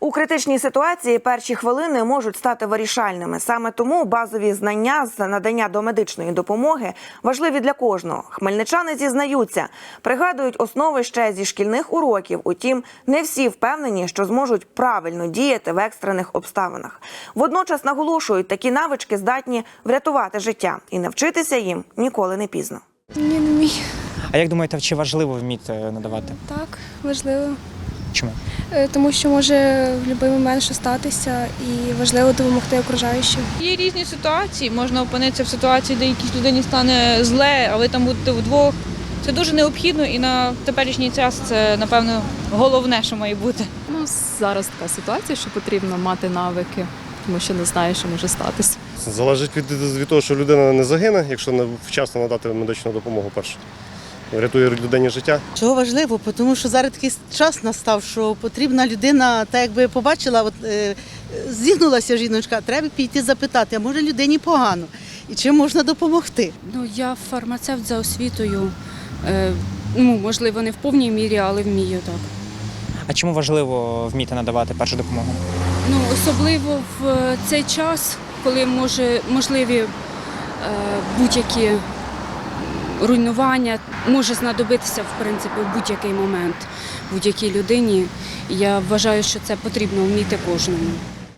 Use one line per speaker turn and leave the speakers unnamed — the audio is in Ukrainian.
У критичній ситуації перші хвилини можуть стати вирішальними. Саме тому базові знання з надання домедичної допомоги важливі для кожного. Хмельничани зізнаються, пригадують основи ще зі шкільних уроків. Утім, не всі впевнені, що зможуть правильно діяти в екстрених обставинах. Водночас наголошують, такі навички здатні врятувати життя. І навчитися їм ніколи не пізно.
Ні, не вмію.
А як думаєте, чи важливо вміти надавати?
Так, важливо.
Чому?
Тому що може в будь-який момент що статися і важливо допомогти окружаючим.
Є різні ситуації, можна опинитися в ситуації, де якійсь людині стане зле, а ви там будете вдвох. Це дуже необхідно і на теперішній час це, напевно, головне, що має бути.
Зараз така ситуація, що потрібно мати навики, тому що не знаєш, що може статися.
Залежить від того, що людина не загине, якщо вчасно надати медичну допомогу перше. Рятує людині життя.
Чого важливо? Тому що зараз такий час настав, що потрібна людина, так якби побачила, зігнулася жіночка, треба піти запитати, а може людині погано, і чим можна допомогти.
Я фармацевт за освітою, можливо, не в повній мірі, але вмію так.
А чому важливо вміти надавати першу допомогу?
Особливо в цей час, коли можливі будь-які руйнування, може знадобитися, в принципі, в будь-який момент будь-якій людині. Я вважаю, що це потрібно вміти кожному.